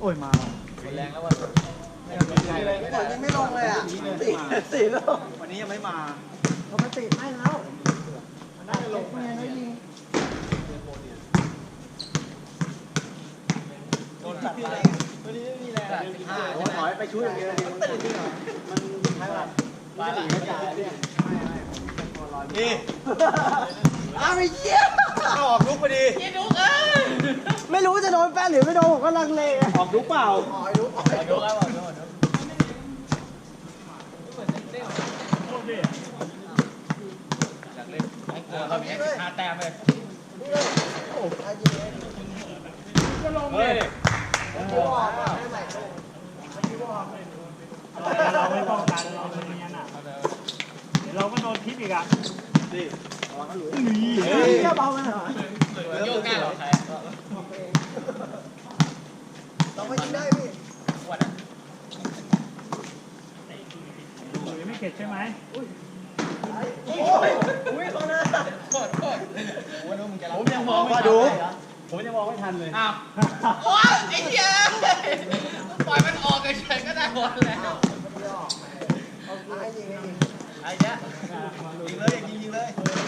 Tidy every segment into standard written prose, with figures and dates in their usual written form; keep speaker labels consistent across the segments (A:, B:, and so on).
A: อ้ยมา
B: แรงแล้ววัน
C: ยังไม่ลงเลยอ่ะสี่ลูก
A: วันนี้ยังไม่มา
C: เขาไปติดให้แล้วมันน่าจะลงไงแล้วยิง
B: โดนตัดไปวันนี้ไม่มีแรง
A: ถอยไปช่วยอย่างเดียวมันตื่นที่หน่อยมันใช่ป่ะ
B: มาละ
A: นี่
C: อ้าวไอ้เหี้ย
A: ออกลุกพอดี
C: ไม่รู้จะโดนแฟนหรือไม่โดนผมก็ลังเล
A: ออกลุกเปล่า
C: ออกลุก
B: แล้วเรามี5 แต้มเลย
A: ก็ลงเลยเราไม่ป้องกันเราเป็นอย่างนั้นอ่ะเดี๋ยวเราก็โดนทิปอีกอ่ะนี่
C: เบาไปหน่อย
B: โยกหน้าเหรอใคร
C: เราไม่ยิงได้พี่
B: วัดอ่ะ
A: ยังไม่เข็ดใช่ไหม
C: อุ้ยเขาหน้า
A: ผมยังมองไม่ดูผมยังมองไม่ทันเลย
B: อ้าวโอ้ยไอ้เหี้ยปล่อยมันออกเฉยๆก็ได้หมดแล้วไอ้เนี้ยยิงเลยยิงเลย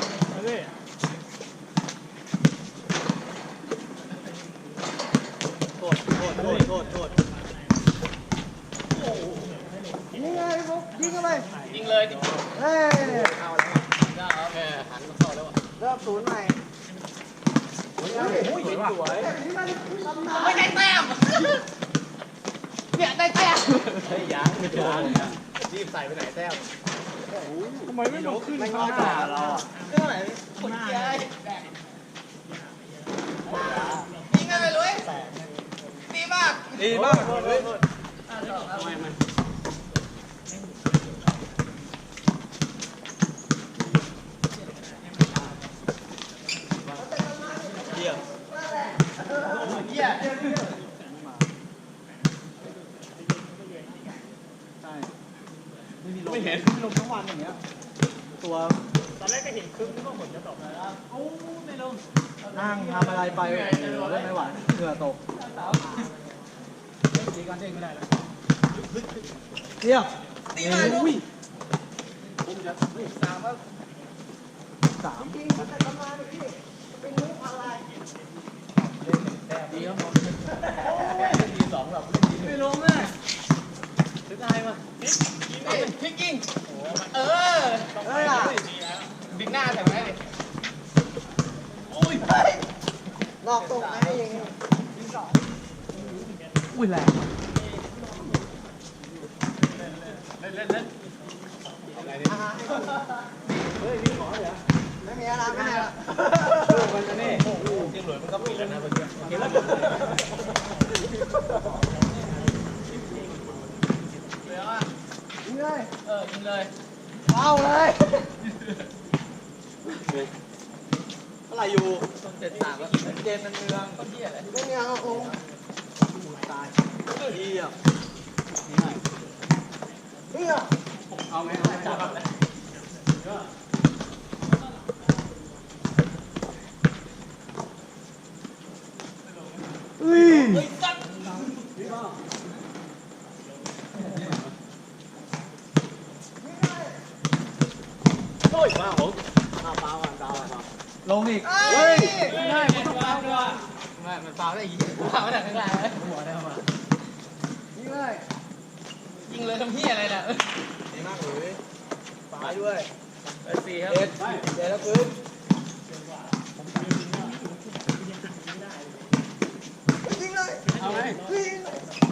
A: โทษ
C: ยิงไงพวกยิงเข้าไป
B: ยิงเลย
C: เฮ้ย
B: เอาแล้วโอเคหันมาเข้าแล้ว
C: เริ่มศูนย์ใหม่
B: สวยไม่ได้แต้มเนี่ยได้แต้ม
A: เฮ้ยยังรีบใส่ไปไหนแต้มทำไมไม่ลงขึ้นไม่งอจ่าเรา
B: เรื่องไหนคนเจ๊ยิงกันเลยลุยดีมาก
A: ทำไมมันเยี่ยมไม่เห็นลงทั้งวันอย่างเงี้ยตัวตอนแรกก็เห็นครึ่งนึกว่าฝนจะตกแล้วโอ้ไม่ลงนั่งทำอะไรไปเล่นไม่ไหวเหงื่อตกตีกันเด้งไม่ได้แล้วเดี๋ยว
B: ตีมาลูก
A: 3
C: จริงมันจะทำมาเลยพี่เป็นมุกอะไร
B: ดีครับผมดี2แบบไม่ลงอ่ะถึงไงมาพลิกยิง
C: เฮ้ยอ่ะ
B: ดึงหน้าใส่มาได้เลย
C: โอ้ยนอกตรงไหนยังไง
A: อุ้ยแรง
B: เล่น
C: อะไรเนี่ยเฮ้ยนี่หมอเหรอไม่มีอะไรไม่มีอะไร
A: มันจะนี่
B: ยิงหลุดมันก็ปิดแล้วนะเมื่อกี้เห็นแล้ว
C: ยิงเลย
B: ยิงเลย
C: เอาเลย
A: อะไรอยู่
B: ต้อง73แล้วเจนมันเมืองต้นเหี้ยอะไร
C: ไม่มีอะไรโอ้
A: ตายเยี่ยม
C: เฮีย
A: เอาไหมจับมาผมเปล่าลงอีก
B: เฮ้ยง่ายมันต้องเปล่าด้วยไม่มันเปล่าได้อีกเปล่าได้ข้างล่างเลยหัวได้มา
C: ยิงเลย
B: ยิงเลยทำเหี้ยอะไรน่ะ
A: ดีมากเลยฝาด้วย
B: 4ครับ
A: เด็ดแล้วปืน
C: ยิงเลย
A: เอาไหม
C: ยิง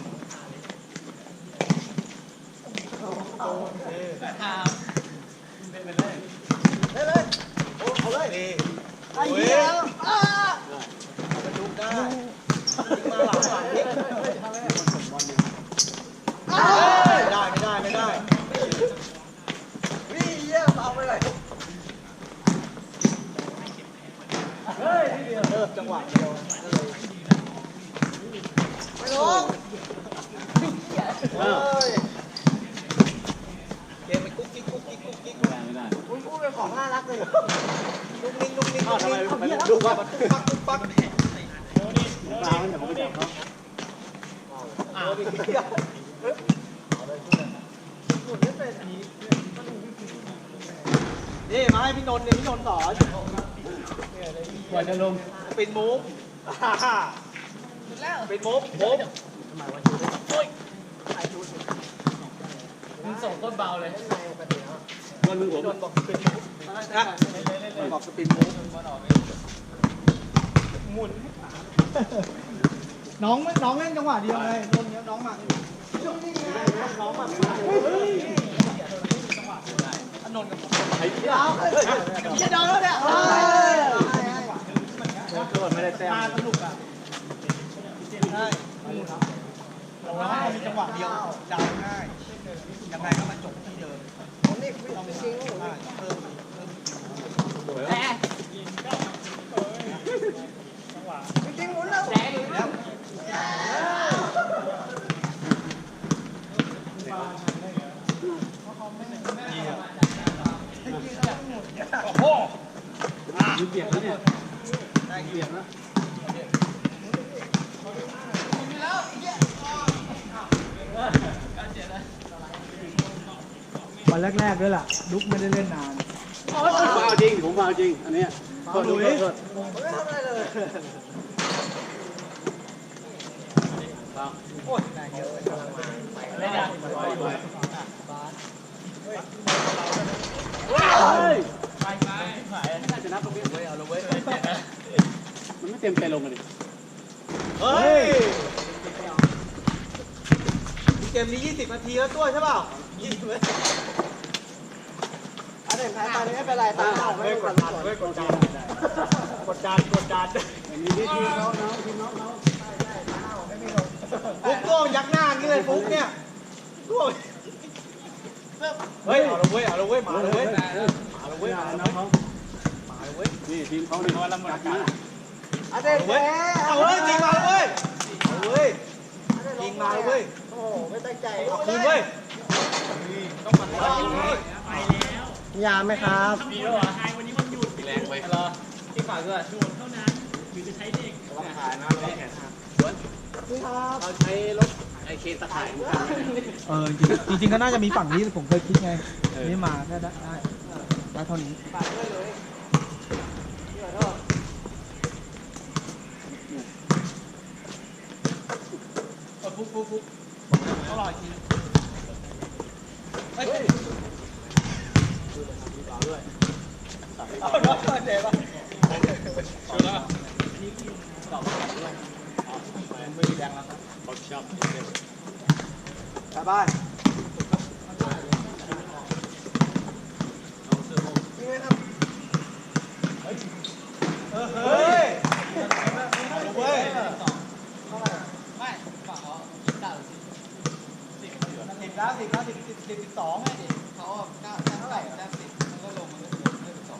B: เป็นเลย
C: เลย
A: โอ้เอาเลยนี่
C: ไอ้เหี้ย
A: มันลุกได้มาหลังนี่ไม่ได้
C: วิ่งเยี่ยมเอาไปเลยเฮ้ย
A: เริ่มจังหวะเดียว
C: ไม่ลงเฮ้ย
B: เกมมันกุ๊กกิ๊ก
A: ไม่ได้
C: คุณพูดเป็นของน่ารักเลยลุกนิ่ง
A: ทำไมดูว่าปักเปล่าเนี่ยผมไม่จับเขาอีกนี่มาให้พี่นนท์เนี่ยพี่นนท์สอน
B: กว่าจะลง
A: เป็นมุกเป็นมุกมุก
B: มึงส่งโคตรเบาเลย
C: ก้อนมือผม
A: พี่นนท์บอกเป็นมุกนะบอกสปินมุกหมุนน้องเล่นจังหวะเดียวเลยโดนเนี้ยน้องมาน้องมาอนนท์กับผม
C: ไอ้เหี้ย
A: จะโดนแล้วเนี่ย
B: โดนไม่ได้แต้ม
A: มาสนุกอ่ะใช่เรามีจังหวะเดียวดาวง่ายยังไงก็มาจบที่เดิมผมนี่ต้องจริงเพิ่ม
C: จริงหมุนแล้ว
B: ยืนเบียดแล้วเนี่ย
A: ได้เบียดนะ
D: วันแรกๆด้วยล่ะลุกไม่ได้เล่นนาน
C: ผมมาเอาจริงผมมาเอาจริงอันเนี้ยโทษโทษโทษ
A: ผมไม่ทำอะไรเลยโอ้ยนายเยอะกำลังมา
B: ไม่ได้
C: เฮ้ย
B: หาย
C: น่าจะนับตรงนี้เว้ยเอาลงเว้ยมันไม่เต็มใจลงกันดิ
A: เฮ้ยเกมนี้20 นาทีแล้วตัวใช่เปล่า20เลยอันไหนแพ้ไปไม่เป็นไรตามไม่กดดันไม่กดดันกดดันกดดัน
C: อันนี้ทีมน้องทีมน้อง
A: ฟุกตัวยักหน้านี่เลยฟุกเนี่ยตัวเฮ้ยเอาละเว้ยเอาละเว้ยมาเลยเว้ยมาเลยเว้ย
C: น้องเขา
A: มาเลยเว้ย
C: นี่ทีมเขาเนี่ยรักมา
A: เอาเลยเว้ยเอาเลยจริงมาเลยเว้ยจริงมาเลยเว้ยโอ้ไม่ตั้งใจเอาคืนเว้ยต้องมาเลยไปแล้วยามไหมครับ
B: มีแล้วเหรอแรงไปเหรอที่ฝากด้วย
C: เราขายนะเราแข่งเราใช้รถไอเคนตะข่าย
D: จริงๆก็น่าจะมีฝั่งนี้ผมเคยคิดไงนี่มาแค่ได้เท่านี้
A: ฟุกต้องรออีกทีเฮ้ยเอาน้องมาเจ็บป่ะไม่มีแรงแล้วครับสบายเฮ้ยเว้ย12ไงดิเขา9เท่าไหร่10มันก็ลงมันก็เหลือ12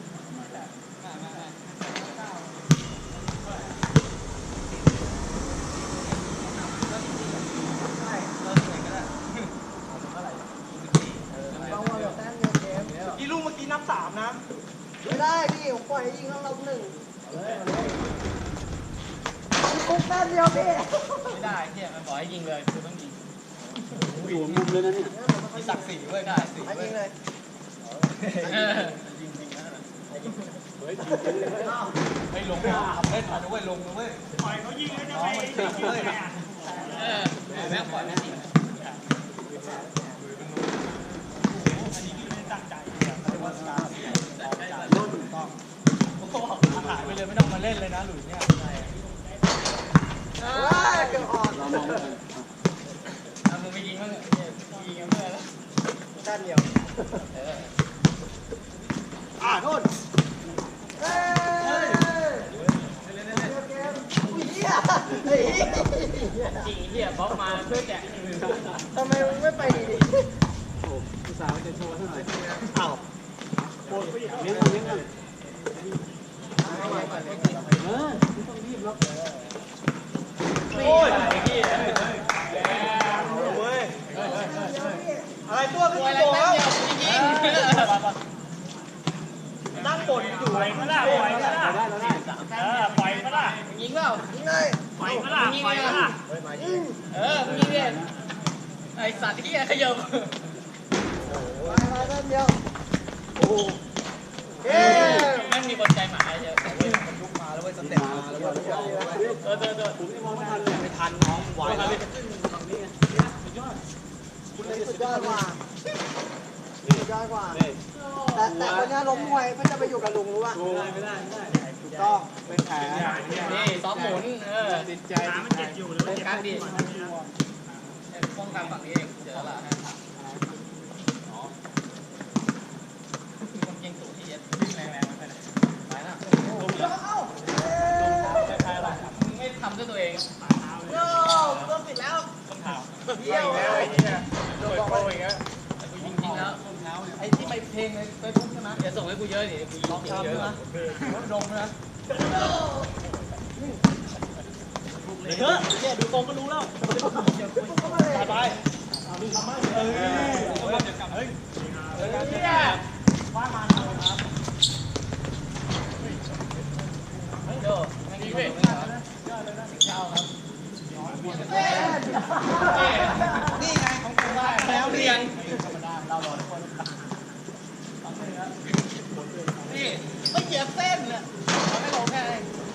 A: กี่ลูกเมื่อกี้นับ3นะไม่ได้พี่ผมปล่อยให้ยิงแล้วเรา1กุ๊กแป๊บเดียวพี่
B: ไม่ได้เนี่ยมันบอกให้ยิงเลยคือต้องยิง
C: อยู่มุมเลยนะเนี่ย
A: มีศักดิ์ศรีเว้ยได้สิยิงเลย
B: ยิงจริงนะ
C: เฮ้ยจริงเลย
A: ไม่ลงนะเล่นมาด้วยลงนะเว้ยปล่อยเขายิงแล้วจะไปเลย
B: แม่ปล่อยแม่ยิง
A: หายไปเลยไม่ต้องมาเล่นเลยนะหลุยเนี่ยเกือบออก
C: เรามอง
B: มึงไปยิงมั้งยิงกันเมื่อแล้ว
A: ด้านเดียวโทษเฮ้ย
B: จริงเหี้ยบล็อกมาเพื่อแกะ
A: ทำไมมึงไม่ไปดี
C: โอ้ผู้สาวจะโชว์เท่าไหร่
A: อ้าว
C: เลี้ยงเลี้ยงกันไม่ต้องรีบหรอก
A: โอ้ย
B: ไอ้เหี้ย
A: เว้ยอะไรตัวขึ้นโบแล้ว
B: ยิง
A: นั่งบ่นอยู่
B: ปล่อยมาล่ะปล่อยมาล่ะ
C: ได้แล้วได้
B: ปล่อยมาล่ะยิงเปล่า
A: ไง
B: ปล่อยมาล่ะไปมาล่ะมึงนี่เนี่ยไอสัตว์ที่ขยับ
A: มาเส้นเดียวโอ้เอ๊ะ
B: แม่งมีคนใจหมาเยอะ
D: ลุกมาแล้วเว้ยสเต็ปมาแล้วเว้ย
C: ผมยังมองไม่ทันเลยไม่ทันน้องไหวแล้ว
A: สุดยอดกว่าสุดยอดกว่าแต่คนนี้ล้มมวยเพื่อจะไปอยู่กับลุงรู้ป่ะ
C: ไม่ได้
A: ถูกต้องเป็นแผล
B: นี่ซ้อมหมุน
C: ติดใจ
B: มันเจ็บอยู่เลยการดีป้องกันฝั่งนี้เองเจอละฮะมีคนเก่งสูงที่เย็ดวิ่งแรงๆไปไหนไปนะไม่ทำด้วยตัวเองโย่ก็ปิดแล้วต้นเท้าเยี่ยวแล้วไอ้เนี่ยโดนโกงอีกแล้วจริงๆแล้วไอ้ที่ไปเพลงในเฟซบุ๊กใช่ไหมอย่าส่งให้กูเยอะดิกูร้องเยอะนะดงนะเยอะเนี่ยดูตรงก็รู้แล้วไปว่ามาครับโย่ไม่ดีเว้ยเจ้าครับนี่ไงของกูได้แล้วเรียนธรรมดาเรารอทุกคนนี่ไม่เหยียบเส้นเนี่ยเราไม่ลงแค่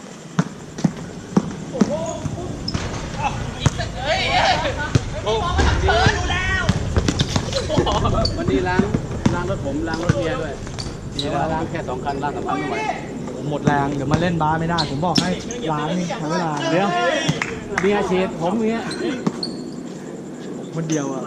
B: โอ้โหยิงเฮ้ยไม่มองมาทางเธอดูแล้ว
C: วันนี้ล้างรถผมล้างรถเมียด้วยมีเวลาล้างแค่2 คันล้าง3 คันไม่ไหว
D: หมดแรงเดี๋ยวมาเล่นบาสไม่ได้ผมบอกให้ล้างนี่ใช้เวลา
C: เดี๋ยวเมียฉีดผมเมีย
D: คนเดียวอ่ะ